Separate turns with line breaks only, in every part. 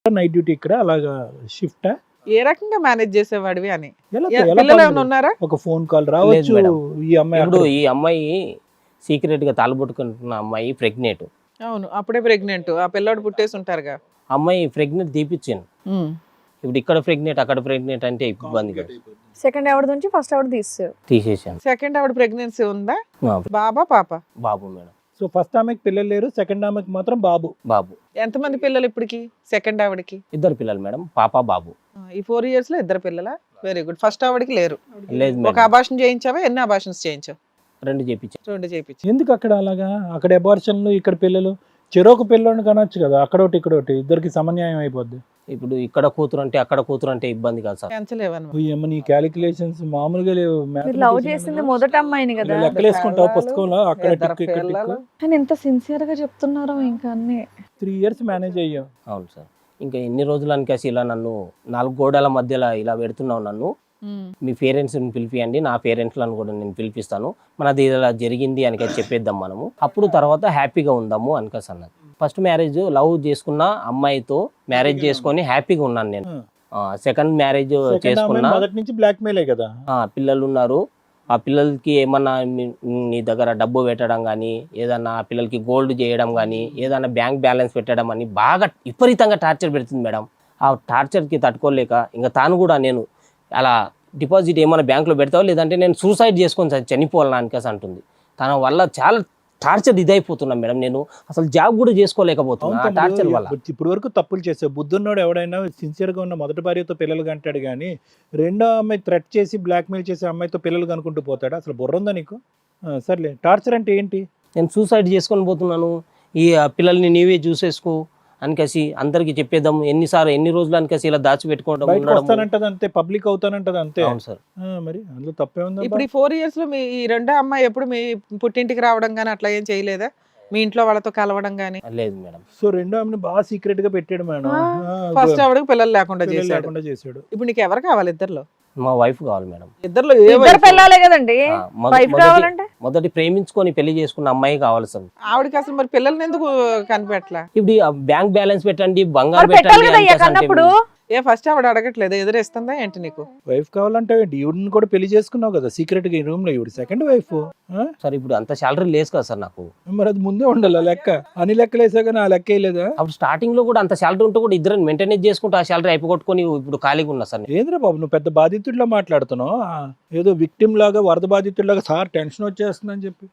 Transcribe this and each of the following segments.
Night duty ఇక్కడ అలాగా shift
ఏ రకంగా మేనేజ్ చేసేవాడివి అని.
ఎలా
పిల్లలు ఏమైనా ఉన్నారా?
ఒక ఫోన్ కాల్ రావచ్చు.
మేడం.
ఈ అమ్మాయి
ఇప్పుడు ఈ అమ్మాయి సీక్రెట్ గా తాళబొట్టుకుంటున్న అమ్మాయి ప్రెగ్నెంట్.
అవును, అప్పుడే ప్రెగ్నెంట్. ఆ పిల్లాడు పుట్టేసి ఉంటారుగా.
అమ్మాయి ప్రెగ్నెంట్ తీపిచ్చాను. ఇప్పుడు ఇక్కడ ప్రెగ్నెంట్ అక్కడ ప్రెగ్నెంట్ అంటే ఇబ్బంది కదా.
సెకండ్ ఆవిడ నుంచి ఫస్ట్ ఆవిడ
తీసేసాను.
సెకండ్ ఆవిడ ప్రెగ్నెన్సీ ఉందా?
ఆ,
బాబా పాప?
బాబు మేడం.
సో ఫస్ట్ ఆమెకి పిల్లలు లేరు, సెకండ్ ఆమెకి మాత్రం బాబు.
బాబు.
ఎంతమంది పిల్లలు ఇప్పటికి సెకండ్ ఆవిడకి?
ఇద్దరు పిల్లలు మేడం, పాప బాబు.
ఈ 4 years లో ఇద్దరు పిల్లల? Very good. ఫస్ట్ ఆవిడకి లేరు.
లేదు
ఒక
మేడం,
అబార్షన్ చేయించావా? ఎన్ని అబార్షన్స్ చేయించావు?
2 చేపించాను.
2 చేయించు.
ఎందుకు అక్కడ అలాగా? అక్కడ అబార్షన్లు, ఇక్కడ పిల్లలు. చెరోకు పిల్లని కనొచ్చు కదా, అక్కడోటి ఇక్కడోటి, ఇద్దరికి సమన్యాయం అయిపోద్ది.
ఇప్పుడు ఇక్కడ కూతురు అంటే అక్కడ కూతురు అంటే ఇబ్బంది కాదు సార్.
పెంచలేవన్నమాట.
ఏమో నీ క్యాలిక్యులేషన్స్ మామూలుగా లేవు.
మీరు లవ్ చేసింది మొదటి అమ్మాయిని కదా,
లెక్కలేసుకుంటావు పుస్తకంలో అక్కడ
ఇద్దరు
టిక్ ఇక్కడ
పిల్లలు.
టిక్.
కానీ ఎంత సిన్సియర్ గా చెప్తున్నారో ఇంకా అన్ని.
3 years మేనేజ్ అయ్యాం.
అవును సార్. ఇంకా ఎన్ని రోజులు అనికేసి ఇలా నన్ను 4 గోడల మధ్యలో ఇలా పెడుతున్నావు నన్ను. మీ పేరెంట్స్ని పిలిపియండి, నా పేరెంట్లను కూడా నేను పిలిపిస్తాను, మనది ఇలా జరిగింది అని చెప్పేద్దాం మనము, అప్పుడు తర్వాత హ్యాపీగా ఉందాము అనికేసి అన్నది. ఫస్ట్ మ్యారేజ్ లవ్ చేసుకున్న అమ్మాయితో మ్యారేజ్ చేసుకొని హ్యాపీగా ఉన్నాను నేను. సెకండ్ మ్యారేజ్ చేసుకున్నా,
మొదటి నుంచి బ్లాక్ మెయిలే కదా.
పిల్లలు ఉన్నారు. ఆ పిల్లలకి ఏమన్నా నీ దగ్గర డబ్బు పెట్టడం కానీ, ఏదన్నా ఆ పిల్లలకి గోల్డ్ చేయడం కానీ, ఏదన్నా బ్యాంక్ బ్యాలెన్స్ పెట్టడం అని బాగా విపరీతంగా టార్చర్ పెడుతుంది మేడం. ఆ టార్చర్కి తట్టుకోలేక ఇంకా తాను కూడా నేను అలా డిపాజిట్ ఏమైనా బ్యాంకులో పెడతావు, లేదంటే నేను సూసైడ్ చేసుకొని చనిపోవాలని అనికేసి అంటుంది. తన వల్ల చాలా టార్చర్ ఇదైపోతున్నా మేడం. నేను అసలు జాబ్ కూడా చేసుకోలేకపోతున్నా ఆ టార్చర్ వల్ల.
ఇప్పుడు వరకు తప్పులు చేసావు. బుద్ధున్నోడు ఎవడైనా సిన్సియర్ గా ఉన్న మొదటి భార్యతో పిల్లలు కంటాడు కానీ, రెండో అమ్మాయి థ్రెట్ చేసి బ్లాక్ మెయిల్ చేసే అమ్మాయితో పిల్లలు కనుకుంటూ పోతాడు. అసలు బుర్ర ఉందా నీకు? సర్లే, టార్చర్ అంటే ఏంటి?
నేను సూసైడ్ చేసుకొని పోతున్నాను, ఈ పిల్లల్ని నీవే చూసేసుకో అనికేసి అందరికి చెప్పేద్దాం. ఎన్ని రోజులు అనికేసి ఇలా దాచిపెట్టుకోవడం.
బయటకు వస్తానంటది అంతే, పబ్లిక్ అవుతానంటది అంతే.
అవును సార్.
మరి అందులో తప్పే ఉందా?
ఇప్పుడు ఈ 4 years లో మీ ఈ రెండో అమ్మాయి ఎప్పుడు మీ పుట్టింటికి రావడం గానీ అట్లా ఏం చేయలేదా? మీ ఇంట్లో వాళ్ళతో కలవడం గానీ?
లేదు మేడం.
సో రెండో ఆమెను బాగా సీక్రెట్ గా పెట్టాడు మేడం.
ఫస్ట్ ఆవిడకి పిల్లలు లేకుండా
పిల్లలు
చేశాడు.
లేకుండా చేశాడు.
ఇప్పుడు నీకు ఎవరు కావాలి ఇద్దర్లో?
మా వైఫ్ కావాలి మేడం.
ఇద్దర్లో ఏ
ఇద్దరు
వయసు?
పిల్లలే కదండి, వైఫ్ కావాలంటే.
మొదటి ప్రేమించుకొని పెళ్లి చేసుకున్న అమ్మాయి కావాలి సార్.
ఆవిడకి అసలు మరి పిల్లల్ని ఎందుకు కనిపెట్టలా?
ఇప్పుడు బ్యాంక్ బ్యాలెన్స్ పెట్టండి, బంగారం
మరి పెట్టాలి కదా అయ్యా
పెట్టండి
కన్నప్పుడు.
ఏ ఫస్ట్ ఆవిడ అడగట్లేదు, ఎదురేస్తుందా ఏంటి నీకు?
వైఫ్ కావాలంటే ఈవిడిని కూడా పెళ్లి చేసుకున్నావు కదా సీక్రెట్ గా ఈ రూమ్ లో. ఈవిడ సెకండ్ వైఫ్.
సార్ ఇప్పుడు అంత శాలరీ లేదు కదా సార్ నాకు.
మరి అది ముందే ఉండాలి లెక్క. అన్ని లెక్కలు వేసా కానీ ఆ లెక్క వేయలేదా?
అప్పుడు స్టార్టింగ్ లో కూడా అంత శాలరీ ఉంటే కూడా ఇద్దరు మెయింటైన్ చేసుకుంటూ ఆ శాలరీ అయిపోగొట్టుకొని ఇప్పుడు ఖాళీగా ఉన్నా సార్.
ఏంద్రా బాబు నువ్వు పెద్ద బాధితుడిలా మాట్లాడుతున్నావు. ఏదో విక్టిమ్ లాగా, వరద బాధితుడిలాగా సార్ టెన్షన్ వచ్చేస్తుందని చెప్పి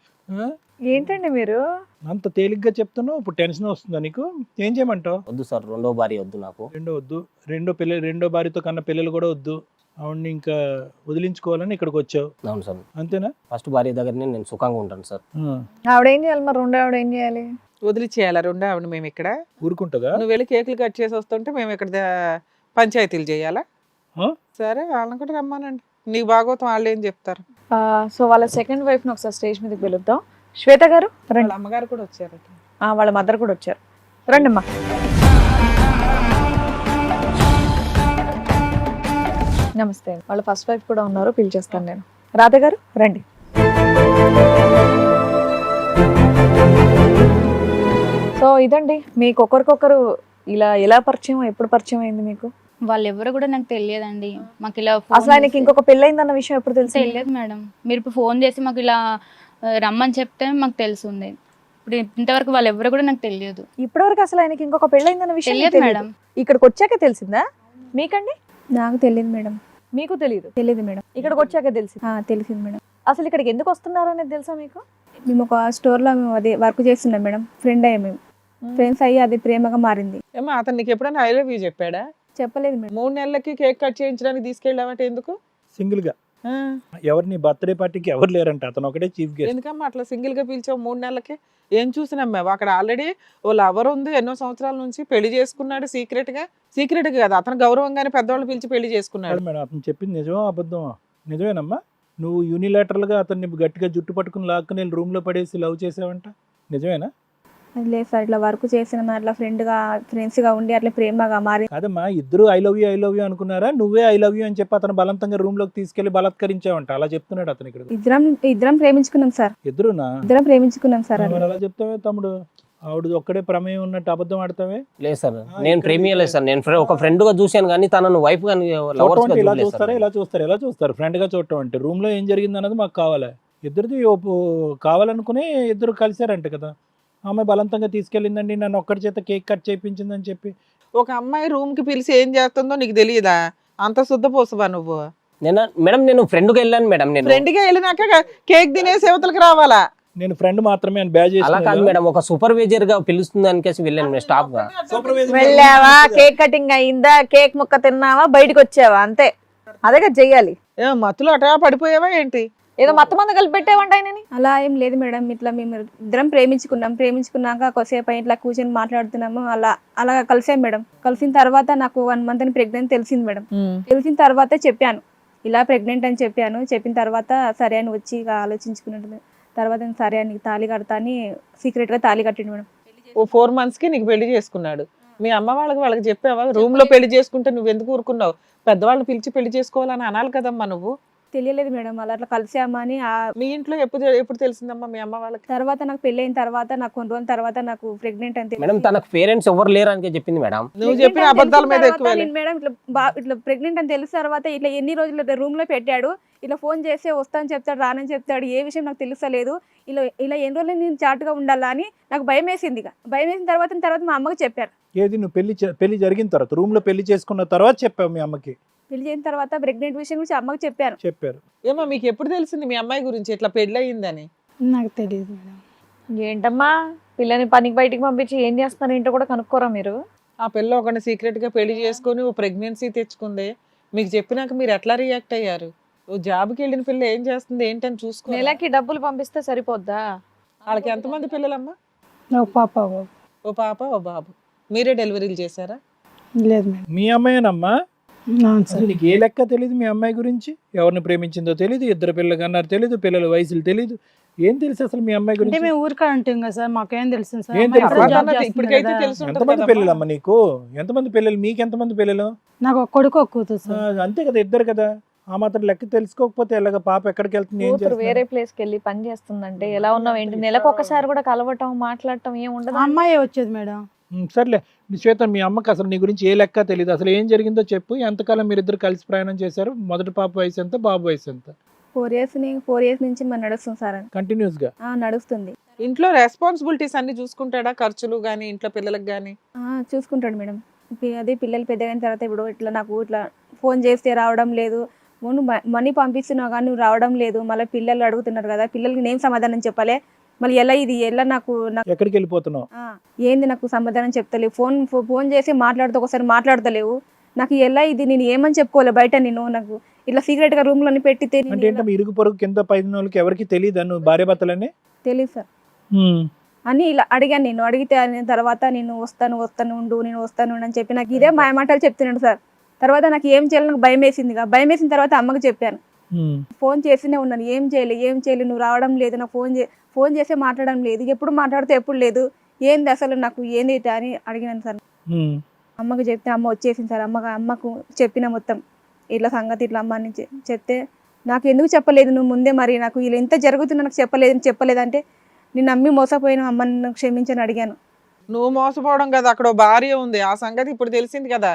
ఏంటండి మీరు
అంత తేలిగ్గా చెప్తున్నావు. ఇప్పుడు టెన్షన్ వస్తుందా నీకు? ఏం చేయమంటావు?
వద్దు సార్, రెండో భార్య వద్దు నాకు.
రెండో వద్దు, రెండో భార్యతో కన్నా పిల్లలు కూడా వద్దు. ఆవిడ్ని ఇంకా వదిలించుకోవాలని ఇక్కడికి వచ్చావు.
అవును సార్.
అంతేనా?
ఫస్ట్ భార్య దగ్గరనే నేను సుఖంగా ఉంటాను సార్.
ఆవిడ ఏం చేయాలి మరి? రెండో ఆవిడ ఏం చేయాలి?
వదిలిచేయాలా రెండో ఆవిడ? మేము ఇక్కడ
ఊరుకుంటుందా?
నువ్వు వెళ్ళి కేకులు కట్ చేసి వస్తుంటే మేము ఇక్కడ పంచాయతీలు చేయాలా? సరే, వాళ్ళని కూడా రమ్మానండి. నీకు భాగవతం వాళ్ళు ఏం చెప్తారు.
సో వాళ్ళ సెకండ్ వైఫ్ ని ఒకసారి స్టేజ్ మీదకి పిలుద్దాం. శ్వేత గారు రండి.
వాళ్ళ అమ్మగారు కూడా వచ్చారు.
వాళ్ళ మదర్ కూడా వచ్చారు. రండి అమ్మా. నమస్తే. వాళ్ళ ఫస్ట్ వైఫ్ కూడా ఉన్నారు, పిలిచేస్తాను నేను. రాధ గారు రండి. సో ఇదండి మీకు ఒకరికొకరు ఇలా ఎలా పరిచయం, ఎప్పుడు పరిచయం అయింది మీకు?
వాళ్ళు ఎవరు కూడా నాకు తెలియదండి. మాకు ఇలా
అసలు ఆయనకి ఇంకొక పెళ్ళయిందన్న విషయం ఎప్పుడు తెలుసు?
తెలియదు మేడం. మీరు ఇప్పుడు ఫోన్ చేసి మాకు ఇలా రమ్మని చెప్తే మాకు తెలుసుంది. ఇప్పుడు ఇంతవరకు వాళ్ళు ఎవరు కూడా నాకు తెలియదు.
ఇప్పటివరకు అసలు ఆయనకి ఇంకొక పెళ్ళయిందన్న విషయం
తెలియదు మేడం.
ఇక్కడికి వచ్చాక తెలిసిందా మీకండి?
నాకు తెలియదు మేడం.
మీకు తెలియదు?
తెలియదు మేడం.
ఇక్కడికి వచ్చాక తెలిసింది.
తెలిసింది మేడం.
అసలు ఇక్కడికి ఎందుకు వస్తున్నారు అనేది తెలుసా మీకు?
మేము ఒక స్టోర్లో మేము అదే వర్క్ చేస్తున్నాం మేడం. ఫ్రెండ్ అయ్యాం, మేము ఫ్రెండ్స్ అయ్యి అది ప్రేమగా మారింది.
ఏమో అతను నీకు ఎప్పుడైనా ఐ లవ్ యూ చెప్పాడా?
చెప్పలేదు మేడం.
3 నెలలకి కేక్ కట్ చేయించడానికి తీసుకెళ్ళామంటే ఎందుకు?
సింగిల్ గా. ఎవరిని బర్త్డే పార్టీకి ఎవరు లేరంట, అతను ఒకటే చీఫ్ గెస్ట్.
ఎందుకమ్మా అట్లా సింగిల్ గా పిలిచావు 3 నెలలకి? ఏం చూసినమ్మావు అక్కడ? ఆల్రెడీ ఓ లవర్ ఉంది, ఎన్నో సంవత్సరాల నుంచి పెళ్లి చేసుకున్నాడు సీక్రెట్ గా కదా. అతను గౌరవంగానే పెద్దవాళ్ళు పిలిచి పెళ్లి చేసుకున్నాడు.
మేడం అతను చెప్పింది నిజమా అబద్ధమా? నిజమేనమ్మా. నువ్వు యూనిలాటరల్ గా అతన్ని గట్టిగా జుట్టు పట్టుకుని లాక్కుని రూమ్ లో పడేసి లవ్ చేసావంట, నిజమేనా?
అది లేదు సార్, ఇట్లా వర్క్ చేసిన అట్లా ఫ్రెండ్స్ గా ఉండి అట్లా ప్రేమగా మారి.
కాదమ్మా, ఇద్దరు ఐ లవ్ యూ అనుకున్నారా? నువ్వే ఐ లవ్ యూ అని చెప్పి అతను బలవంతంగా రూమ్ లోకి తీసుకెళ్లి బలాత్కరించావంట, అలా చెప్తున్నాడు అతను ఇక్కడ.
ఇద్దరం ప్రేమించుకున్నాం సార్.
ఇద్దరునా?
ఇద్దరం ప్రేమించుకున్నాం సార్.
మరి అలా చెప్తావే తమ్ముడు? ఆవిడ ఒక్కడే ప్రమేయం ఉన్నట్టు అబద్ధం ఆడతావే.
లేదు సార్,
ఆ,
నేను
ఇక్కడ
ప్రేమియలేదు సార్. నేను ఒక ఫ్రెండ్ గా చూశాను కానీ తనను వైఫ్ కానీ లవర్స్
చూడటం
గా
అంటే ఇలా
చూడలేదు
చూస్తారా,
సార్.
ఇలా చూస్తారు, ఎలా చూస్తారు ఫ్రెండ్ గా చూడటం అంటే? రూమ్ లో ఏం జరిగింది అన్నది మాకు కావాలి. ఇద్దరిది కావాలనుకుని ఇద్దరు కలిశారంట కదా. ఆమె బలవంతంగా తీసుకెళ్ళిందండి, నన్ను ఒక్కడి చేత కేక్ కట్ చేయించిందని చెప్పి.
ఒక అమ్మాయి రూమ్ కి పిలిచి ఏం చేస్తుందో నీకు తెలియదా? అంత శుద్ధపోసవా నువ్వు?
మేడం నేను ఫ్రెండ్ గా వెళ్ళాను మేడం. నేను
ఫ్రెండ్ గా వెళ్ళినాక కేక్ తినేసి యువతలకు రావాలా?
నేను ఫ్రెండ్ మాత్రమే అని బ్యాజ్
అలా కాదు మేడం, ఒక సూపర్వైజర్ గా పిలుస్తుంది అనికేసి వెళ్ళాను నేను స్టాఫ్ గా.
వెళ్ళావా, కేక్ కటింగ్ అయిందా, కేక్ ముక్క తిన్నావా, బయటకు వచ్చావా, అంతే. అదే కదా చెయ్యాలి.
ఏ మత్తులో అటా పడిపోయావా ఏంటి?
ఏదో మొత్తం మంది కలిపి పెట్టేవంట ఆయనని.
అలా ఏం లేదు మేడం, ఇట్లా మేము ఇద్దరం ప్రేమించుకున్నాక కొద్దిసేపు ఇట్లా కూర్చొని మాట్లాడుతున్నాము, అలా కలిసాం మేడం. కలిసిన తర్వాత నాకు 1 month అని ప్రెగ్నెంట్ తెలిసింది మేడం. తెలిసిన తర్వాత చెప్పాను, ఇలా ప్రెగ్నెంట్ అని చెప్పాను. చెప్పిన తర్వాత సరే అని వచ్చి ఇక ఆలోచించుకున్నట్టు తర్వాత సరే అని తాళి కడతా అని సీక్రెట్ గా తాళి కట్టిండు మేడం.
ఓ 4 months కి నీకు పెళ్లి చేసుకున్నాడు. మీ అమ్మ వాళ్ళకి చెప్పావా? రూమ్ లో పెళ్లి చేసుకుంటే నువ్వు ఎందుకు ఊరుకున్నావు? పెద్దవాళ్ళని పిలిచి పెళ్లి చేసుకోవాలని అనాలి కదమ్మా నువ్వు.
తెలియలేదు మేడం, అట్లా కలిసామని.
మీ ఇంట్లో ఎప్పుడు తెలిసిందమ్మా మీ అమ్మ వాళ్ళకి?
తర్వాత నాకు పెళ్లి అయిన తర్వాత నాకు కొన్ని రోజుల తర్వాత నాకు ప్రెగ్నెంట్ అని
మేడం తనకు పేరెంట్స్ ఎవరు లేరు అని చెప్పింది మేడం.
నువ్వు చెప్పిన అబద్ధాల మీద ఎక్కువ
మేడం ఇట్లా ప్రెగ్నెంట్ అని తెలిసిన తర్వాత ఇట్లా ఎన్ని రోజులు రూమ్ లో పెట్టాడు, ఇట్లా ఫోన్ చేస్తే వస్తాను చెప్తాడు, రానని చెప్తాడు, ఏ విషయం నాకు తెలుస్తలేదు. ఇలా ఎన్ని రోజులు నేను చాటుగా ఉండాలా అని నాకు భయం వేసింది. భయం వేసిన తర్వాత మా అమ్మకి చెప్పారు.
ఏది నువ్వు పెళ్లి జరిగిన తర్వాత, రూమ్ లో పెళ్లి చేసుకున్న తర్వాత చెప్పావు మీ అమ్మకి?
పెళ్లి చేసిన తర్వాత ప్రెగ్నెంట్ విషయం గురించి అమ్మకి
చెప్పారు.
ఏమో మీకు ఎప్పుడు తెలిసింది మీ అమ్మాయి గురించి ఇట్లా పెళ్లి అయ్యిందని?
నాకు తెలియదు మేడం.
ఏంటమ్మా, పిల్లని పనికి బయటికి పంపించి ఏం చేస్తున్నారు ఏంటో కూడా కనుక్కోరా మీరు?
ఆ పిల్ల ఒకటి సీక్రెట్ గా పెళ్లి చేసుకొని ఓ ప్రెగ్నెన్సీ తెచ్చుకుంది. మీకు చెప్పినాక మీరు ఎట్లా రియాక్ట్ అయ్యారు? ఓ జాబ్కి వెళ్ళిన పిల్ల ఏం చేస్తుంది ఏంటని చూసుకో.
నెలకి డబ్బులు పంపిస్తే సరిపోద్దా?
వాళ్ళకి ఎంతమంది పిల్లలమ్మా?
ఒక పాప బాబు.
ఓ పాప ఓ బాబు. మీరే డెలివరీలు చేశారా?
లేదు మేడం.
మీ అమ్మాయేనమ్మా?
అవును
అసలు
సార్.
నీకు ఏ లెక్క తెలియదు మీ అమ్మాయి గురించి? ఎవరిని ప్రేమించిందో తెలియదు, ఇద్దరు పిల్లలు కన్నారు తెలియదు, పిల్లల వయసులు తెలియదు, ఏం తెలుసు అసలు మీ అమ్మాయి
అంటే
గురించి?
మేము ఊరికా ఉంటాం కదా సార్, మాకేం తెలుసు సార్.
ఏం
అమ్మాయి
తెలుసు?
అప్పుడు జాబ్
అన్నది
చేస్తుంది
ఇప్పటికైతే
కదా.
తెలుసు ఉంటుంది
ఎంతమంది
కదమ్మా.
పిల్లలమ్మా నీకు? ఎంతమంది పిల్లలు? మీకు ఎంతమంది పిల్లలు?
నాకు ఒక కొడుకు ఒక కూతురు సార్.
అంతే కదా, ఇద్దరు కదా. ఆ మాత్రం లెక్క తెలుసుకోకపోతే ఎలాగ? పాప ఎక్కడికి వెళ్తుంది, ఏం
కూతురు
చేస్తుంది?
వేరే ప్లేస్ కి వెళ్ళి పని చేస్తుందంటే ఎలా ఉన్నావు ఏంటి? నెలకు ఒకసారి కూడా కలవటం మాట్లాడటం ఏం
ఆ
ఉండదు.
అమ్మాయి వచ్చేది మేడం.
సర్లే శ్వేత, మీ అమ్మకి అసలు నీ గురించి ఏ లెక్క తెలియదు. అసలు ఏం జరిగిందో చెప్పు. ఎంతకాలం మీరిద్దరు కలిసి ప్రయాణం చేశారు? మొదటి పాప వయసు ఎంత, బాబు వయసు ఎంత?
4 years నుంచి మరి నడుస్తుంది సార్.
కంటిన్యూస్ గా
నడుస్తుంది.
ఇంట్లో రెస్పాన్సిబిలిటీస్ అన్ని చూసుకుంటాడా? ఖర్చులు గానీ ఇంట్లో పిల్లలకు గానీ?
చూసుకుంటాడు మేడం. అదే పిల్లలు పెద్దగైన తర్వాత ఇప్పుడు ఇట్లా నాకు ఇట్లా ఫోన్ చేస్తే రావడం లేదు, నువ్వు మనీ పంపిస్తున్నావు కానీ నువ్వు రావడం లేదు, మళ్ళీ పిల్లలు అడుగుతున్నారు కదా, పిల్లలకి నేను సమాధానం చెప్పాలి, మళ్ళీ ఎలా నాకు
ఎక్కడికి వెళ్ళిపోతున్నావు?
ఏంది నాకు సమాధానం చెప్తలేవు, ఫోన్ చేసి మాట్లాడుతూ ఒకసారి మాట్లాడతలేవు, నాకు ఎలా ఇది నేను ఏమని చెప్పుకోవాలి బయట, నేను నాకు ఇట్లా సీక్రెట్ గా రూమ్ లోని పెట్టితే
అంటే ఏంటో ఇరుగు పొరుగు కింద పైన వాళ్ళకి ఎవరికి తెలియదు నువ్వు భార్య భర్తలని?
తెలియదు సార్ అని ఇలా అడిగాను. నేను అడిగితే తర్వాత నేను వస్తాను ఉండు అని చెప్పి నాకు ఇదే మాయమాటలు చెప్తున్నాడు సార్. తర్వాత నాకు ఏం చేయాలి నాకు భయం వేసింది. భయం వేసిన తర్వాత అమ్మకి చెప్పాను. ఫోన్ చేస్తూనే ఉన్నాను, ఏం చేయలేదు నువ్వు రావడం లేదు, నాకు ఫోన్ చేస్తే మాట్లాడడం లేదు, ఎప్పుడు మాట్లాడితే ఎప్పుడు లేదు, ఏంది అసలు నాకు ఏంది అని అడిగినాను సార్. అమ్మకి చెప్తే అమ్మ వచ్చేసింది సార్. అమ్మకు చెప్పిన మొత్తం ఇట్లా సంగతి ఇట్లా అమ్మ అని చెప్తే నాకు ఎందుకు చెప్పలేదు నువ్వు ముందే, మరి నాకు ఇలా ఎంత జరుగుతున్నా నాకు చెప్పలేదంటే నేను నమ్మి మోసపోయిన అమ్మని నాకు క్షమించని అడిగాను.
నువ్వు మోసపోవడం కదా, అక్కడ ఓ భార్య ఉంది, ఆ సంగతి ఇప్పుడు తెలిసింది కదా.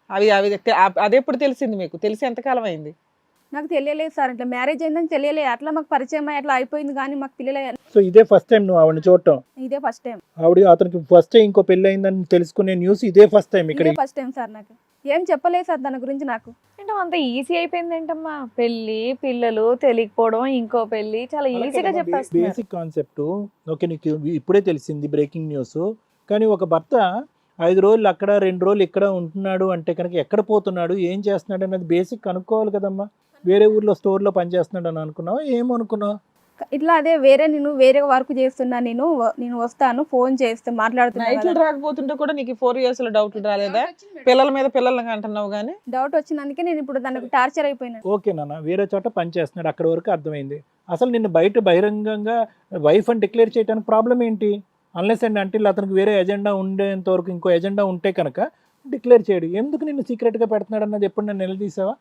అది ఎప్పుడు తెలిసింది మీకు? తెలిసి ఎంతకాలం అయింది?
నాకు తెలియలేదు సార్, ఇట్లా మ్యారేజ్ అయిందని తెలియలేదు, అట్లా మాకు పరిచయం అట్లా అయిపోయింది కానీ మాకు పిల్లలు.
సో ఇదే ఫస్ట్ టైం నువ్వు ఆవిడని చూడటం?
ఇదే ఫస్ట్ టైం.
అతనికి ఫస్ట్ టైం ఇంకో పెళ్లి అయిందని తెలుసుకునే న్యూస్ ఇదే ఫస్ట్ టైం? ఇక్కడ
ఫస్ట్ టైం సార్. నాకు ఏం చెప్పలేదు సార్ దాని గురించి. నాకు
అంటే అంత ఈజీ అయిపోయింది ఏంటమ్మా? పెళ్లి పిల్లలు తెలియకపోవడం, ఇంకో పెళ్లి చాలా ఈజీగా చెప్పేస్తున్నారు.
బేసిక్ కాన్సెప్ట్ ఓకే, నీకు ఇప్పుడే తెలిసింది బ్రేకింగ్ న్యూస్. కానీ ఒక భర్త 5 రోజులు అక్కడ 2 రోజులు ఇక్కడ ఉంటున్నాడు అంటే కనుక ఎక్కడ పోతున్నాడు, ఏం చేస్తున్నాడు అనేది బేసిక్ కనుక్కోవాలి కదమ్మా. వేరే ఊర్లో స్టోర్లో పనిచేస్తున్నాడు అని అనుకున్నావా, ఏమనుకున్నావు?
ఇట్లా అదే నేను వేరే వర్క్ చేస్తున్నా, నేను వస్తాను ఫోన్ చేస్తే మాట్లాడుతున్నా.
నైట్లు రాకపోతుంటే కూడా నీకు 4 years లో డౌట్లు రాలేదా? పిల్లల మీద పిల్లలకి అంటున్నావు కానీ
డౌట్ వచ్చినందుకే నేను ఇప్పుడు దానికి టార్చర్ అయిపోయినా.
ఓకే నాన్న, వేరే చోట పని చేస్తున్నాడు, అక్కడ వరకు అర్థమైంది. అసలు నిన్ను బహిరంగంగా వైఫ్ అని డిక్లేర్ చేయడానికి ప్రాబ్లం ఏంటి? అన్లెస్ అండ్ అంటే అతనికి వేరే ఎజెండా ఉండేంత వరకు, ఇంకో ఎజెండా ఉంటే కనుక డిక్లేర్ చేయడు. ఎందుకు నిన్ను సీక్రెట్గా పెడుతున్నాడు అన్నది ఎప్పుడు నన్ను నిలదీసావా?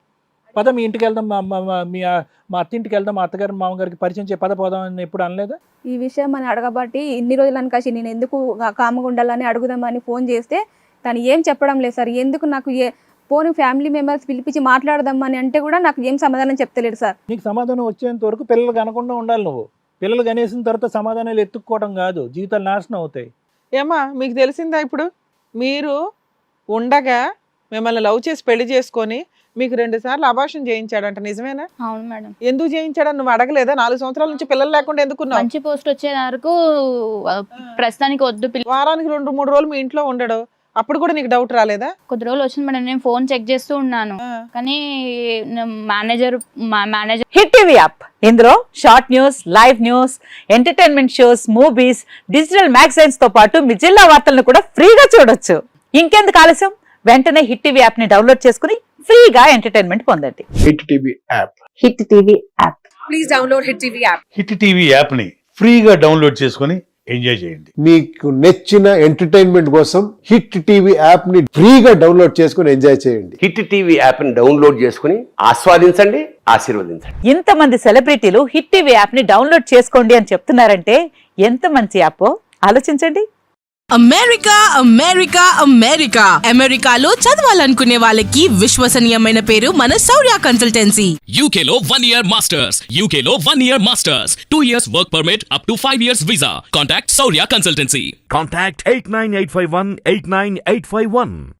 పద మీ ఇంటికి వెళ్దాం, మా అత్తింటికి వెళ్దాం, మా అత్తగారు మామగారికి పరిచయం చేయ పద పోదాం అని ఎప్పుడు అనలేదా?
ఈ విషయం అని అడగబట్టి ఇన్ని రోజులు అనకాసి నేను ఎందుకు కామగా ఉండాలని అడుగుదామని ఫోన్ చేస్తే తను ఏం చెప్పడం లేదు సార్. ఎందుకు నాకు పోనీ ఫ్యామిలీ మెంబర్స్ పిలిపించి మాట్లాడదామని అంటే కూడా నాకు ఏం సమాధానం చెప్తలేడు సార్.
నీకు సమాధానం వచ్చేంత వరకు పిల్లలు కనకుండా ఉండాలి. నువ్వు పిల్లలు కనేసిన తర్వాత సమాధానాలు ఎత్తుక్కోవడం కాదు, జీవితాలు నాశనం అవుతాయి.
ఏమా మీకు తెలిసిందా ఇప్పుడు మీరు ఉండగా మిమ్మల్ని లవ్ చేసి పెళ్లి చేసుకొని మీకు 2 సార్లు అబార్షన్ చేయించాడంట, నిజమేనా?
అవును మేడం.
ఎందుకు చేయించాడని నువ్వు అడగలేదా? 4 సంవత్సరాల నుంచి పిల్లలు లేకుండా ఎందుకున్నావు?
మంచి పోస్ట్ వచ్చే వరకు ప్రస్తుతానికి వద్దు
వారానికి 2-3 రోజులు మీ ఇంట్లో ఉండడు, అప్పుడు కూడా నీకు డౌట్ రాలేదా?
కొద్ది రోజులు వచ్చింది మేడం. నేను ఫోన్ చెక్ చేస్తూ ఉన్నాను, కానీ మేనేజర్
హిట్ టీవీ యాప్ ఇందులో short news, live news, entertainment shows, movies, digital magazines తో పాటు మీ జిల్లా వార్తలను కూడా ఫ్రీగా చూడొచ్చు. ఇంకెందుకు ఆలస్యం, వెంటనే హిట్ టీవీ యాప్ ని డౌన్లోడ్ చేసుకుని ఫ్రీగా ఎంటర్టైన్మెంట్ పొందండి.
Hit TV app.
Hit TV app.
Please download hit TV app.
Hit TV app ని ఫ్రీగా డౌన్లోడ్ చేసుకొని ఎంజాయ్ చేయండి.
మీకు నచ్చిన ఎంటర్టైన్మెంట్ కోసం హిట్ టీవీ యాప్ ని ఫ్రీగా డౌన్లోడ్ చేసుకొని ఎంజాయ్ చేయండి.
హిట్ టీవీ యాప్ ని డౌన్లోడ్ చేసుకుని ఆస్వాదించండి, ఆశీర్వదించండి.
ఇంతమంది సెలబ్రిటీలు హిట్ టీవీ యాప్ ని డౌన్లోడ్ చేసుకోండి అని చెప్తున్నారంటే ఎంత మంచి యాప్ ఆలోచించండి.
అమెరికా అమెరికా అమెరికా అమెరికాలో చదవాలనుకునే వాళ్ళకి విశ్వసనీయమైన పేరు మన శౌర్య కన్సల్టెన్సీ.
UK లో 1 year masters, UK లో 1 year masters, 2 years work permit up to 5 years visa. Contact Saurya Consultancy.
Contact 89851 89851.